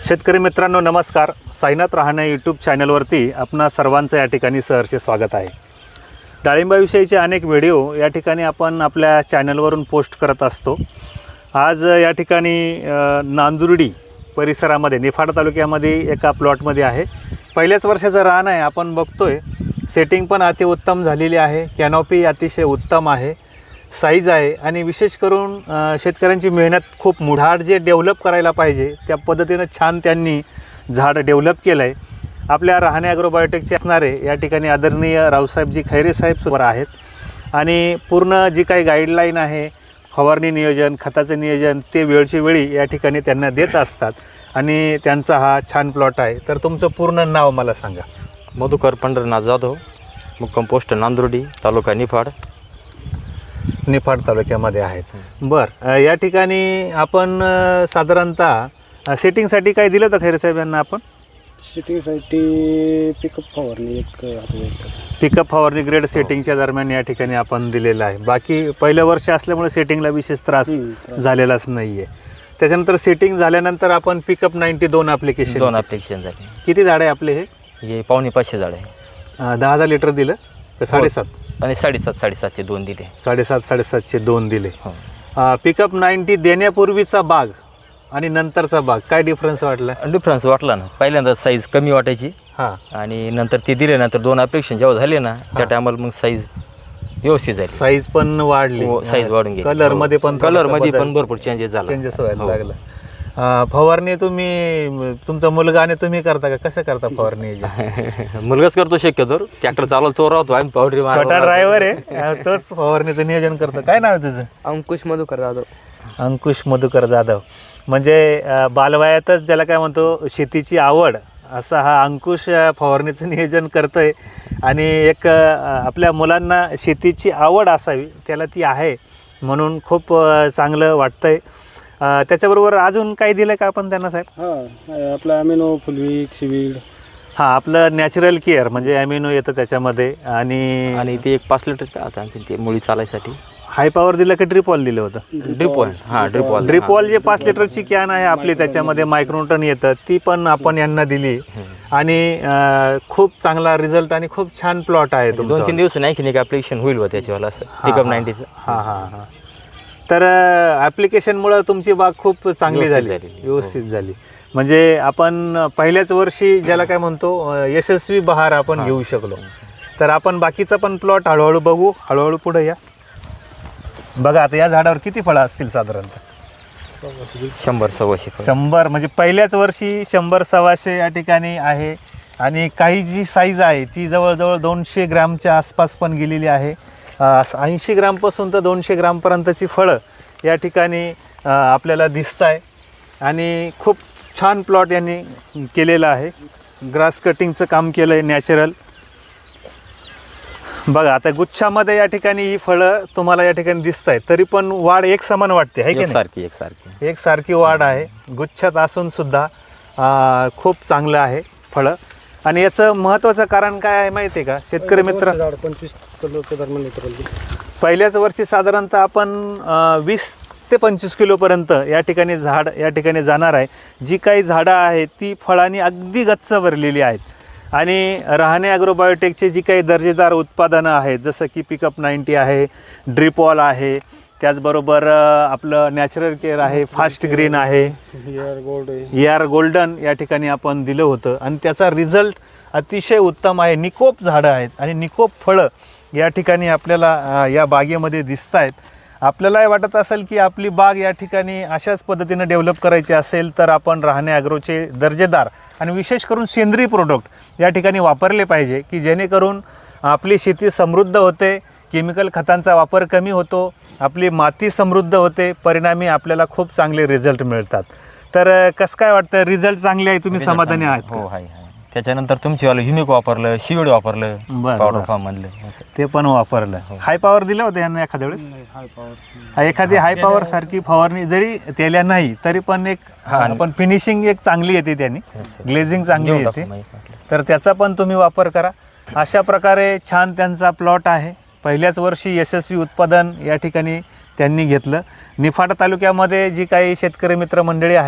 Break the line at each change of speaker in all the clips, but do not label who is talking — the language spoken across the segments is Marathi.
शेतकरी मित्रांनो नमस्कार. साईनाथ रहाणे यूट्यूब चॅनलवरती आपणा सर्वांचं या ठिकाणी सहर्ष स्वागत आहे. डाळिंबाविषयीचे अनेक व्हिडिओ या ठिकाणी आपण आपल्या चॅनलवरून पोस्ट करत असतो. आज या ठिकाणी नांदुर्डी परिसरामध्ये निफाड तालुक्यामध्ये एका प्लॉटमध्ये आहे. पहिल्याच वर्षाचं रान आहे. आपण बघतोय सेटिंग पण अतिउत्तम झालेली आहे. कॅनॉपी अतिशय उत्तम आहे, साईज आहे आणि विशेष करून शेतकऱ्यांची मेहनत खूप मुढाड जे डेव्हलप करायला पाहिजे त्या पद्धतीनं छान त्यांनी झाड डेव्हलप केलं आहे. आपल्या रहाणे ॲग्रोबायोटेकचे असणारे या ठिकाणी आदरणीय रावसाहेबजी खैरे साहेब सुद्धा आहेत आणि पूर्ण जी काही गाईडलाईन आहे, फवारणी नियोजन, खताचं नियोजन ते वेळची वेळी या ठिकाणी त्यांना देत असतात आणि त्यांचा हा छान प्लॉट आहे. तर तुमचं पूर्ण नाव मला सांगा.
मधुकर पंढरनाथ जाधव, मुक्काम पोस्ट नांदुर्डी, तालुका निफाड.
निफाड तालुक्यामध्ये आहेत. बरं, या ठिकाणी आपण साधारणतः सेटिंगसाठी काय दिलं तर खैरे साहेब यांना आपण?
सेटिंगसाठी पिकअप फवारणी
पिकअप फवारणी ग्रेड सेटिंगच्या दरम्यान या ठिकाणी आपण दिलेलं आहे. बाकी पहिलं वर्ष असल्यामुळे सेटिंगला विशेष त्रास झालेलाच नाही आहे. त्याच्यानंतर सेटिंग झाल्यानंतर आपण पिकअप 92 ॲप्लिकेशन
झाले.
किती झाड आहे आपले?
हे 550 झाड आहे.
10 लिटर दिलं तर 7.5
आणि 7.5चे 2 दिले.
7.5चे 2 दिले. पिकअप 90 देण्यापूर्वीचा बाग आणि नंतरचा बाग काय डिफरन्स वाटला?
डिफरन्स वाटला ना. पहिल्यांदा साईज कमी वाटायची आणि नंतर ते दिल्यानंतर 2 ॲप्लिकेशन जेव्हा झाले ना त्या टायमाला मग साईज व्यवस्थित झाली.
साईज पण वाढली,
साईज वाढून गेली.
कलरमध्ये पण
भरपूर चेंजेस
व्हायला लागला. फवारणी तुम्ही तुमचा मुलगा आणि तुम्ही करता का? कसं करता फवारणी?
मुलगाच करतो शक्यतो. ट्रॅक्टर चालवतो तो राहतो, आम्ही पावडरी
छोटा ड्रायव्हर आहे तोच फवारणीचं नियोजन करतो. काय नाव आहे तुझं?
अंकुश मधुकर जाधव.
अंकुश मधुकर जाधव म्हणजे बालवयातच ज्याला काय म्हणतो शेतीची आवड, असा हा अंकुश फवारणीचं नियोजन करतोय. आणि एक आपल्या मुलांना शेतीची आवड असावी त्याला ती आहे म्हणून खूप चांगलं वाटतंय. त्याच्याबरोबर अजून काही दिलं का आपण त्यांना साहेब?
आपलं ॲमिनो, फुलवीक, शिवीड.
आपलं नॅचरल केअर म्हणजे ॲमिनो येतं त्याच्यामध्ये. आणि
ते एक 5 लिटर का आता ते मुळी चालायसाठी
हाय पॉवर दिलं का ड्रिपॉल दिलं होतं? ड्रिपॉल जे 5 लिटरची कॅन आहे आपली त्याच्यामध्ये मायक्रोटन येतं, ती पण आपण यांना दिली आणि खूप चांगला रिझल्ट आणि खूप छान प्लॉट आहे.
2-3 दिवस नाही की ॲप्लिकेशन होईल व त्याच्यावाला असं पिकअप 90चं.
तर ॲप्लिकेशनमुळं तुमची बाग खूप चांगली झाली, व्यवस्थित झाली. म्हणजे आपण पहिल्याच वर्षी ज्याला काय म्हणतो यशस्वी बहार आपण घेऊ शकलो. तर आपण बाकीचा पण प्लॉट हळूहळू बघू. हळूहळू पुढे या. बघा आता या झाडावर किती फळं असतील? साधारणतः
100-125
म्हणजे पहिल्याच वर्षी 100-125 या ठिकाणी आहे. आणि काही जी साईज आहे ती जवळजवळ 200 ग्रॅमच्या आसपास पण गेलेली आहे. 80 ग्रामपासून तर 200 ग्रामपर्यंतची फळं या ठिकाणी आपल्याला दिसत आहे. आणि खूप छान प्लॉट यांनी केलेला आहे. ग्रास कटिंगचं काम केलं आहे नॅचरल. बघा आता गुच्छामध्ये या ठिकाणी ही फळं तुम्हाला या ठिकाणी दिसत आहेत, तरी पण वाढ एक समान वाटते आहे की नाही? एकसारखी वाढ आहे. गुच्छात असून सुद्धा खूप चांगलं आहे फळं. आणि याचं महत्त्वाचं कारण काय आहे माहिती आहे का शेतकरी मित्र?
25 किलोच्या दरम्यान.
पहिल्याच वर्षी साधारणतः आपण 20 ते 25 किलोपर्यंत या ठिकाणी झाड या ठिकाणी जाणार आहे. जी काही झाडं आहेत ती फळांनी अगदी गच्च भरलेली आहेत. आणि रहाणे ॲग्रोबायोटेकचे जी काही दर्जेदार उत्पादनं आहेत जसं की पिकअप 90 आहे, ड्रिपॉल आहे, त्याचबरोबर आपलं नॅचरल केअर आहे, फास्ट ग्रीन आहे, ER गोल्डन या ठिकाणी आपण दिलं होतं आणि त्याचा रिझल्ट अतिशय उत्तम आहे. निकोप झाडं आहेत आणि निकोप फळं या ठिकाणी आपल्याला या बागेमध्ये दिसत आहेत. आपल्यालाही वाटत असेल की आपली बाग या ठिकाणी अशाच पद्धतीनं डेव्हलप करायची असेल तर आपण रहाणे ॲग्रोचे दर्जेदार आणि विशेष करून सेंद्रिय प्रोडक्ट या ठिकाणी वापरले पाहिजे की जेणेकरून आपली शेती समृद्ध होते, केमिकल खतांचा वापर कमी होतो, आपली माती समृद्ध होते, परिणामी आपल्याला खूप चांगले रिझल्ट मिळतात. तर कसं काय वाटतं? रिझल्ट चांगले आहे, तुम्ही समाधानी आहात?
हो आहे. त्याच्यानंतर तुमचीवालं युनिक वापरलं, शिवीड वापरलं, पावडर फॉर्म मधलं ते
पण वापरलं. हाय पॉवर दिलं होतं यांना एखाद्या वेळेस? एखादी हाय पॉवर सारखी फवारणी जरी केल्या नाही तरी पण एक आपण फिनिशिंग एक चांगली येते, त्यांनी ग्लेझिंग चांगली येते, तर त्याचा पण तुम्ही वापर करा. अशा प्रकारे छान त्यांचा प्लॉट आहे. पहिल्याच वर्षी यशस्वी उत्पादन या ठिकाणी त्यांनी घेतलं. निफाड तालुक्यामध्ये जी काही शेतकरी मित्र मंडळी आहेत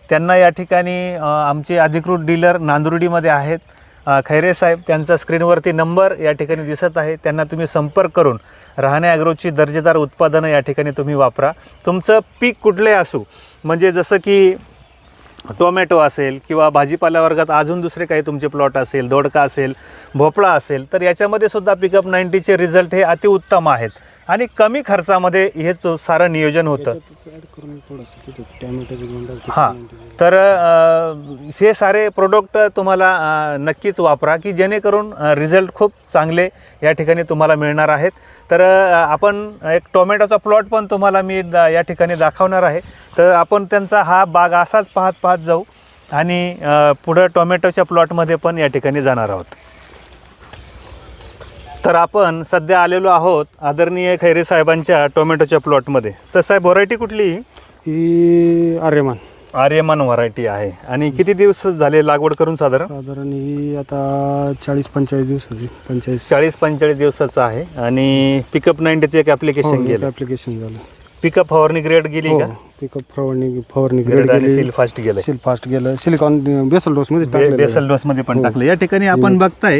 त्यांना या ठिकाणी आमचे अधिकृत डीलर नांदुर्डीमध्ये आहेत, खैरे साहेब, त्यांचा स्क्रीनवरती नंबर या ठिकाणी दिसत आहे. त्यांना तुम्ही संपर्क करून रहाणे ॲग्रोची दर्जेदार उत्पादनं या ठिकाणी तुम्ही वापरा. तुमचं पीक कुठले असू, म्हणजे जसं की टोमॅटो असेल किंवा भाजीपाला वर्गात अजून दुसरे काही तुमचे प्लॉट असेल, दोडका असेल, भोपळा असेल, तर याच्यामध्ये सुद्धा पिकअप 90चे रिझल्ट हे अतिउत्तम आहेत आणि कमी खर्चामध्ये हे सारं नियोजन होतं. हां, तर हे सारे प्रोडक्ट तुम्हाला नक्कीच वापरा की जेणेकरून रिझल्ट खूप चांगले या ठिकाणी तुम्हाला मिळणार आहेत. तर आपण एक टोमॅटोचा प्लॉट पण तुम्हाला मी या ठिकाणी दाखवणार आहे. तर आपण त्यांचा हा बाग असाच पाहत जाऊ आणि पुढं टोमॅटोच्या प्लॉटमध्ये पण या ठिकाणी जाणार आहोत. तर आपण सध्या आलेलो आहोत आदरणीय खैरे साहेबांच्या टोमॅटोच्या प्लॉटमध्ये. तर साहेब, व्हरायटी कुठली?
ही
आर्यमान व्हरायटी आहे. आणि किती दिवस झाले लागवड करून?
साधारण ही आता 40-45 दिवसाची
40-45 दिवसाचं आहे. आणि पिकअप 90चं एक ॲप्लिकेशन गेलं.
ॲप्लिकेशन झालं.
पिकअप फवारणी ग्रेड गेली का?
पिकअप फवारणी ग्रेड
आणि सील फास्ट गेलं.
सील फास्ट गेलं. सिलिकॉन बेसल डोसमध्ये
बेसल डोसमध्ये पण टाकलं. या ठिकाणी आपण बघताय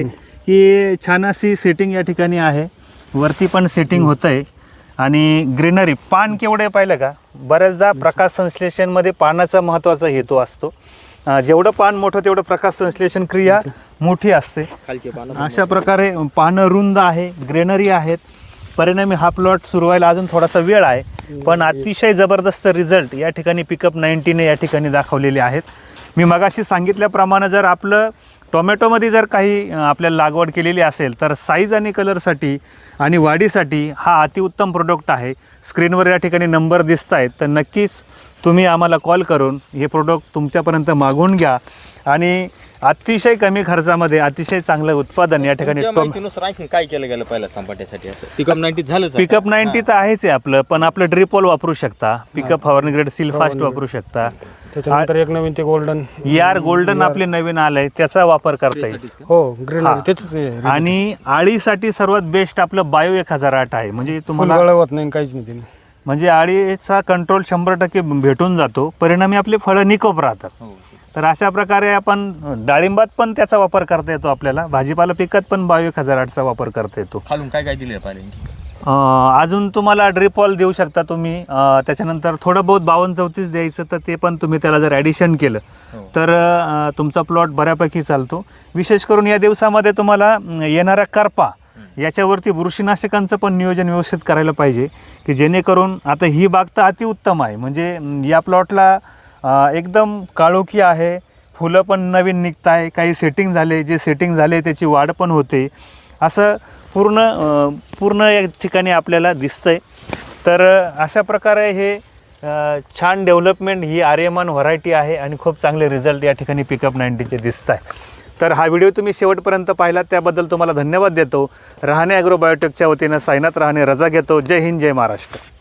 की छान अशी सेटिंग या ठिकाणी आहे. वरती पण सेटिंग होतं आहे. आणि ग्रीनरी, पान केवढे पाहिलं का? बऱ्याचदा प्रकाश संश्लेषणमध्ये पानाचा महत्त्वाचा हेतू असतो. जेवढं पान मोठं तेवढं प्रकाश संश्लेषण क्रिया मोठी असते. अशा प्रकारे पानं रुंद आहे, ग्रीनरी आहेत. परिणामी हा प्लॉट सुरू व्हायला अजून थोडासा वेळ आहे, पण अतिशय जबरदस्त रिझल्ट या ठिकाणी पिकअप 90ने या ठिकाणी दाखवलेले आहेत. मी मगाशी सांगितल्याप्रमाणे जर आपलं टोमॅटोमध्ये जर काही आपल्याला लागवड केलेली असेल तर साईज आणि कलरसाठी आणि वाढीसाठी हा अतिउत्तम प्रोडक्ट आहे. स्क्रीनवर या ठिकाणी नंबर दिसत आहेत, तर नक्कीच तुम्ही आम्हाला कॉल करून हे प्रोडक्ट तुमच्यापर्यंत मागवून घ्या आणि अतिशय कमी खर्चामध्ये अतिशय चांगलं उत्पादन या ठिकाणी.
काय केलं गेलं पहिल्या टमाट्यासाठी? असं पिकअप 90 झालं.
पिकअप 90 तर आहेच आहे आपलं, पण आपलं ड्रिपोल वापरू शकता, पिकअप फवारणी ग्रेड सील फास्ट वापरू शकता.
त्याच्यानंतर एक नवीन ते
गोल्डन आपले नवीन आलंय, त्याचा वापर करता येईल.
हो, ग्रीनरी त्याच.
आणि आळीसाठी सर्वात बेस्ट आपलं बायो 1008 आहे. म्हणजे तुम्हाला
गळवत नाही, काहीच नाही.
म्हणजे आळीचा कंट्रोल 100% भेटून जातो. परिणामी आपले फळं निकोप राहतात. तर अशा प्रकारे आपण डाळिंबात पण त्याचा वापर करता येतो. आपल्याला भाजीपाला पिकात पण बायो 1008चा वापर करता येतो.
खालून काय काय दिलं पाहिजे?
अजून तुम्हाला ड्रिपॉल देऊ शकता तुम्ही. त्याच्यानंतर थोडं बहुत 52-34 द्यायचं, तर ते पण तुम्ही त्याला जर ॲडिशन केलं तर तुमचा प्लॉट बऱ्यापैकी चालतो. विशेष करून या दिवसामध्ये तुम्हाला येणाऱ्या करपा याच्यावरती बुरशीनाशकांचं पण नियोजन व्यवस्थित करायला पाहिजे की जेणेकरून आता ही बाग तर अतिउत्तम आहे. म्हणजे या प्लॉटला एकदम काळोखी आहे, फुलं पण नवीन निघत आहे, काही सेटिंग झाले, जे सेटिंग झाले त्याची वाढ पण होते. असं पूर्ण या ठिकाणी आपल्याला दिसतंय. तर अशा प्रकारे हे छान डेव्हलपमेंट ही आर्यमान व्हरायटी आहे आणि खूप चांगले रिझल्ट या ठिकाणी पिकअप 90चे दिसत आहे. तर हा व्हिडिओ तुम्ही शेवटपर्यंत पाहिला त्याबद्दल तुम्हाला धन्यवाद देतो. रहाणे ॲग्रो बायोटेकच्या वतीनं साईनाथ रहाणे रजा घेतो. जय हिंद, जय महाराष्ट्र.